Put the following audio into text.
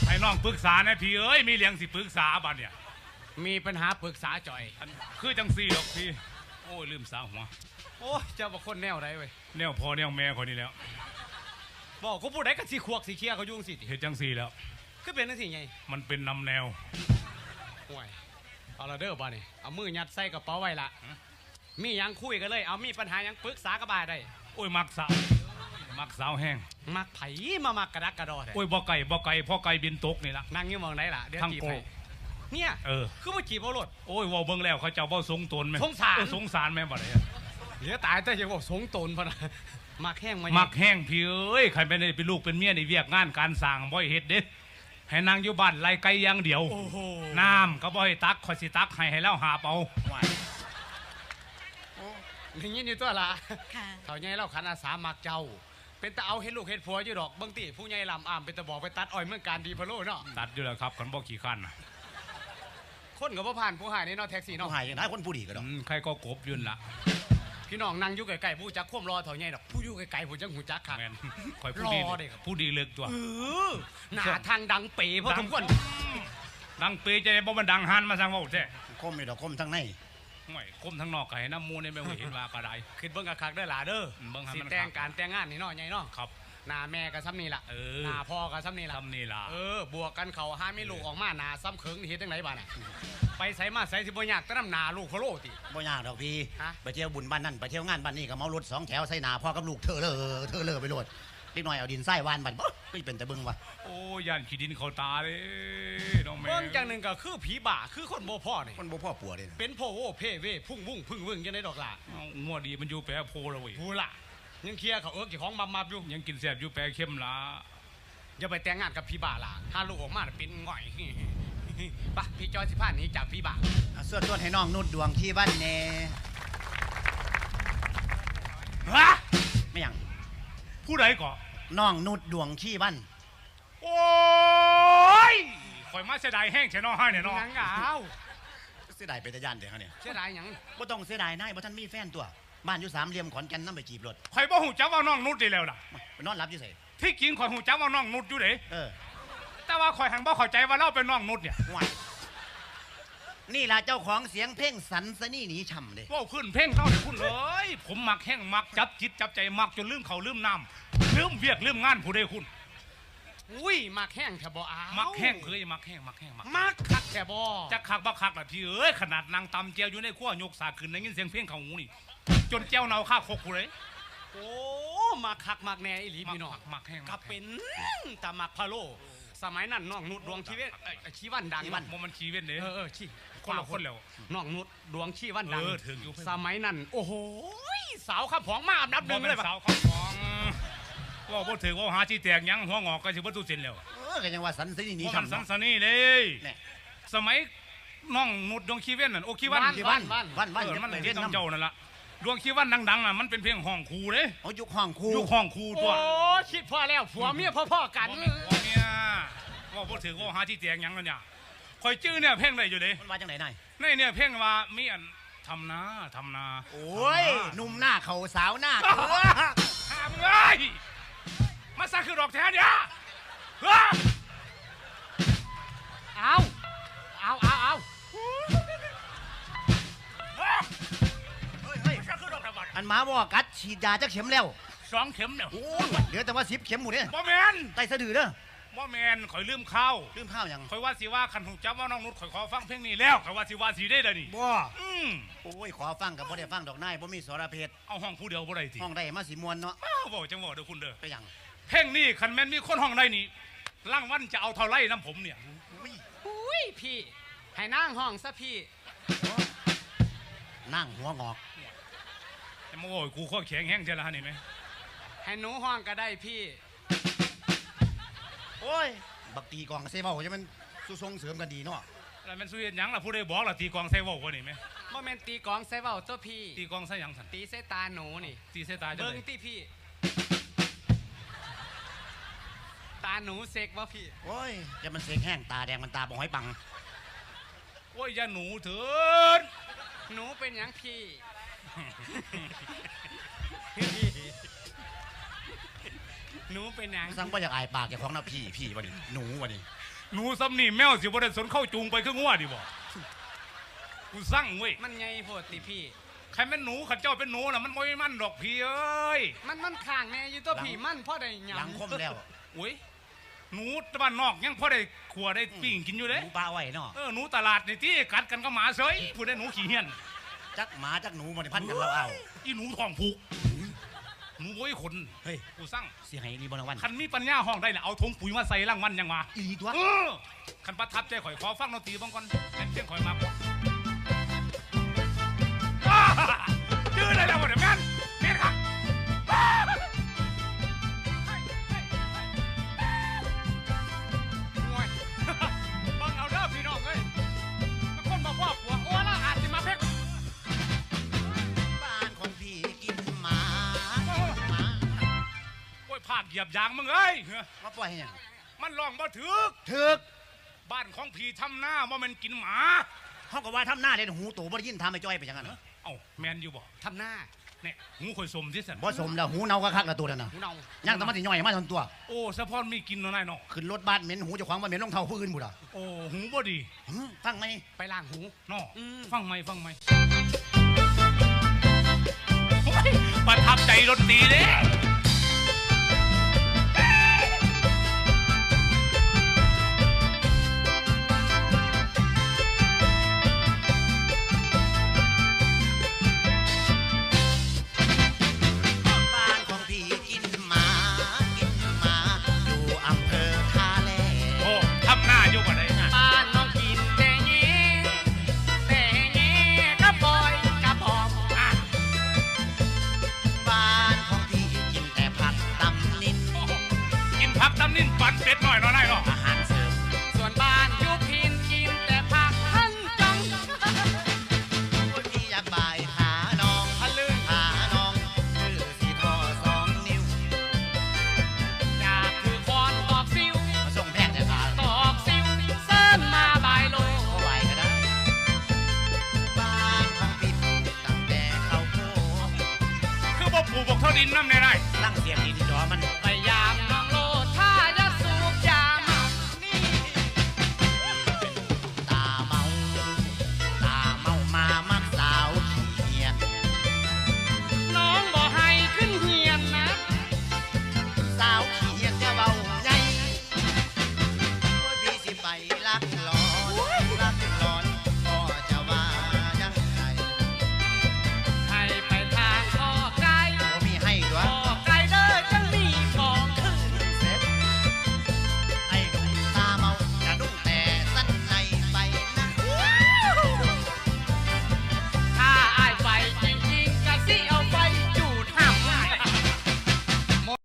ให้น้องปรึกษานะพี่เอ้ยมีเลี้ยงสิปรึกษาบ้านเนี่ยมีปัญหาปรึกษาจ่อยคือจังซี่หรอกพี่โอ้ยลืมสาหัวโอ้เจ้าบอกคนแนวไรเว้ยแนวพอแนวแม่คนนี้แล้วบอกกูพูดได้กับสีขวกสีเคียเขายุ่งสิเห็นจังซี่แล้วคือเป็นนั่นสิไงมันเป็นนำแนวห่วยเอาละเด้อบ้านนี่เอามือยัดใส่กระเป๋าไว้ละมียังคุยกันเลยเอามีปัญหายังปรึกษากับบ้าได้โอ้ยมักสาวแห้งมักไผ่มามักกระดักกระดอโอ้ยบ่ไก่พ่อไก่บินตกนี่ละนั่งยังมองไหนล่ะเดี๋ยวจีบเนี่ยคือว่าจีบเอารถโอ้ยว่าเบิ่งแล้วเขาเจ้าเบ้าสงตนไหมสงสารแม่บ่ได้เหลือตายแต่ยังบอกสงตนพอนะมักแห้งมักแห้งพี่เอ้ยใครเป็นเป็นลูกเป็นเมียในเวียกงานการสร้างบ่อยเฮ็ดเด้ให้นางอยู่บ้านไล่ไก่อย่างเดียวน้ำก็บ่ให้ตักคอยสิตักให้แล้วหาเปาอย่างนี้นี่ตัวละเขาใหญ่เล่าขันอาสามักเจ้าเป็นตาเอาเห็ดลูกเห็ดผัวอยู่ดอกบางทีผู้ใหญ่ลำอ้ามเป็นตาบอกไปตัดอ้อยเมื่อการดีพะโล่เนาะตัดอยู่แล้วครับขันบอกขี่ขั้นคนกับพ่อผ่านผู้หายในนอแท็กซี่นอหายอย่างไรคนผู้ดีก็ดอกใครก็กบยืนละพี่น้องนั่งอยู่ไกลๆผู้จักข่มรอเถาใหญ่ดอกผู้อยู่ไกลๆผู้จักหูจักขาดคอยผู้ดีผู้ดีเลือกตัวหน้าทางดังเป๋เพราะทุกคนดังเป๋จะได้บ่มันดังฮันมาสั่งว่าใช่คมไม่ดอกคมทั้งในไม่คมทั้งนอกไก่น้ำมูนี่ไม่เห็นว่ากระไดขึ้นเบิ้งกระคักได้หล่ะเด้อสิแต่งการแต่งงานนี่เนาะใหญ่เนาะครับหน้าแม่กับซ้ำนี่ล่ะหน้าพ่อกับซ้ำนี่ล่ะบวกกันเขาห้าไม่ลูกออกมาหน้าซ้ำเคิงนี่เห็นจังไหนบ้าน่ะไปใส่มาใส่สิบ่ยากแต่น้ำหน้าลูกเขาโลติบ่ยากดอกพี่ไปเที่ยวบุญบ้านนั่นไปเที่ยวงานบ้านนี่ก็เมารถ2 แถวใส่หน้าพ่อกับลูกเธอเลอไปโหลดเล็กน้อยเอาดินใส่วานบันก็เป็นแต่เบิ้งวะโอ้ยันขี้ดินเขาตาเลยน้องแม่เบิ้งจังหนึ่งก็คือผีบ่าคือคนโบพ่อเนี่ยคนโบพ่อปัวเลยเป็นพ่อโอ้เพ่เว่พุ่งพึ่งยังได้ดอกล่ะงัวดีมันอยู่แปรโพเลยพูล่ะยังเคลียร์เขากี่ของมาอยู่ยังกินแซ่บอยู่แปรเข้มละอย่าไปแต่งงานกับผีบ่าล่ะถ้าลูกออกมาเป็นง่อยปะพี่จอยสิพาหนีจากผีบ่าส่วนต้นให้น้องนุดดวงที่บ้านเน่ฮะไม่ยังผู้ใดก่อน้องนุดดวงขี้บ้านโอ้ยข่อยมาเสียดายแห้งเชน้องให้เนี่ยน้องยังเอาเสียดายเป็นตะยันเดี๋ยวเนี่ยเสียดายยังบ่ต้องเสียดายนายบ่ท่านมีแฟนตัวบ้านอยู่3 เหลี่ยมขอนแก่นน้ำไปจีบรถข่อยบ่หูจักว่าน้องนุดได้แล้วล่ะนอนรับอยู่ไสที่กินข่อยหูจักว่าน้องนุดอยู่เด้แต่ว่าข่อยหังบ่เข้าใจว่าเราเป็นน้องนุดเนี่ยนี่ล่ะเจ้าของเสียงเพลงสันสนี่หนีช่ำเลยว่าขึ้นเพลงเข้าเลยคุณเลยผมมักแห้งมักจับจิตจับใจมักจนลืมเขาลืมน้ำลืมเวียกลืมงานผู้ใดคุณอุ้ยมักแห้งแถบบ่เอามักแห้งเคยมักแห้งมักคักแถบบ่จะคักบ่คักล่ะพี่เอ้ยขนาดนางตำเจียวอยู่ในขั้วยกสาขึ้นได้ยินเสียงเพลงเขาหูนี่จนเจ้าเนาข้าคกกูเลยโอ้มักคักมักแน่อีหลีพี่น้องมักแห้งกับเป็นตามักพะโลสมัยนั้นน้องนุดดวงชีเวตชีวันดังมันชีเวตเลยชีคนละคนแล้วน้องนุดดวงชีวันดังถึงอยู่สมัยนั้นโอ้โหสาวข้าผองมาอันดับ 1เลยสาวข้าผองว่าบ่ถึงว่าหาที่แตกยังหัวงอกก็สิบ่ตู้เส้นแล้วก็ยังว่าสันสนี่หนีช่ำสันสนี่เลยสมัยน้องนุดดวงชีเวตนั่นโอคีวันมันเรียนน้ำเจ้านั่นละดวงชีวันดังๆอ่ะมันเป็นเพลงห้องคูเลยยุคห้องคูตัวโอ้คิดพ่อแล้วผัวเมียพ่อกันผัวเมียว่าบ่ถึงว่าหาที่แตกยังแล้วเนี่ยคอยจื้อเนี่ยเพลงอะไรอยู่ดิมันมาจากไหนเนี่ยเพลงว่ามีอันทำนาโอ้ยหนุ่มหน้าเขาสาวหน้าห้ามเลยมาซะคือดอกแท้เนี่ยเอาอันมาว่ากัดฉีดยาจักเข็มแล้ว 2 เข็มเนี่ยโอ้ยเหลือแต่ว่า10 เข็มหมดเนี่ยบ่แมนไตสะดือเด้อบ่แมนข่อยลืมข้าวยังข่อยว่าสิว่าคันหูจับว่าน้องนุชข่อยขอฟังเพลงนี้แล้วข่อยว่าสิได้เลยนี่บ่โอ้ยขอฟังกับบ่ได้ฟังดอกนายบ่มีสรเพชรเอาห้องผู้เดียวบ่ได้สิห้องได้มาสิมวนเนาะบ่จังบ่เด้อคุณเด้อไปยังเพลงนี้คันแม่นมีคนห้องได้นี่รางวัลจะเอาเท่าไรน้ำผมเนี่ยอุ้ยพี่ให้นั่งห้องซะพี่นั่งหัวงอกจะมาโอ้ยกูข้อแข็งแห้งเจริญนี่ไหมให้หนูห้องก็ได้พี่โอ้ยบักตีกองเซเว่จะมันสู้ทรงเสริมกันดีเนาะแล้วมันสู้เห็นยังล่ะผู้ใดบอกล่ะตีกองเซเว่วะนี่ไหมบ่แม่นตีกองเซเว่ตัวพี่ตีกองใส่ยังสันตีเสตาหนูนี่ตีเสตาเบิ้งตีพี่ตาหนูเสกวะพี่โอ้ยจะมันเสกแห้งตาแดงมันตาบ่อยปังโอ้ยอย่าหนูเถิดหนูเป็นยังพี่หนูเป็นยังสั่งว่าอยากอายปากอย่างของนะพี่วันนี้หนูวันนี้หนูซ้ำนี่แมวสิบ่ได้สนเข้าจูงไปคืองัวดิบ่กูสั่งเว้ยมันไงโพดติพี่ใครเป็นหนูขันเจ้าเป็นหนูน่ะมันบ่มันดอกพี่เอ้ยมันข้างแน่อยู่ตัวพี่มันพ่อได้หยังหลังคมแล้วโอ้ยหนูตะวันนอกยังพอได้ขัวได้ปิ้งกินอยู่เด้หนูปลาไว้เนาะหนูตลาดนี่ที่กัดกันก็หมาเสยผู้ได้หนูขี้เหี้ยนจักหมาจักหนูมันพันกันเราเอาอีหนูท้องผูกหนูโวยขนเฮ้ยกูสั่งสิให้รีบรางวัลคันมีปัญญาห้องได้น่ะเอาถุงปุ๋ยมาใส่รางวัลยังมาอีตัวคันประทับใจข่อยขอฟังดนตรีบ้างก่อนเป็นเพียงข่อยมายืดได้แล้วบ่เดี๋ยวแม่นแม่นครับโอ้ยบังเอาเด้อพี่น้องเอ้ยมันคนมาพ่อผัวโอ้แล้วอาจจะมาเพ็กบ้านของพี่กินหมาโอ้ยภาคเหยียบยางมึงเอ้ยมาปล่อยให้หยังมันลองบ่ถึกถึกบ้านของพี่ทำหน้าว่ามันกินหมาเขาก็ว่าทำหน้าเด่นหูตู่บ่ได้ยินทำไอ้จ้อยไปจังนั้นเหรอเอ้าแมนอยู่บ่ทำหน้าเนี่ยหูข่อยสมที่สันบ่สมแล้วหูเน่าก็คักแล้วตัวนั่นน่ะหูเนายังแต่มันสิย่อยมาทั้งตัวโอ้สะพอนมีกินเนาะนายเนาะขึ้นรถบ้านเหม็นหูเจ้าของว่าเหม็นรองเท้าผู้อื่นบุ่ะโอ้หูบ่ดีฟังไหมไปล้างหูเนาะอืมฟังไหมฟังไหมโอ้ยประทับใจดนตรีเด้บ้านของพี่กินหมากินหมาอยู่อำเภอท่าแลโอ้ทำหน้าอยู่บ่ได้นะบ้านน้องกินแต่เงี้แต่เงี้กระบอยกระบอมอ่ะบ้านของพี่กินแต่ผักตำนินโอ้โหกินผักตำนิ่นปั่นเป็ดหน่อยเนาะนายเนาะอาหารเสริมส่วนบ้านยุพินกินแต่ผักทั้งจังคนที่อยากบ่ายขาน้องทะลึ่งขาน้องชื่อสีทอ2 นิ้วอยากถือคอนตอกซิวมาส่งแพทย์แต่ขาตอกซิวเส้นมาบายโลก็ไหวก็ได้บ้านของพี่ปลูกตั้งแต่ข้าวโพดคือบ่ปลูกบอกเท่าดินน้ำเนี่ยนะ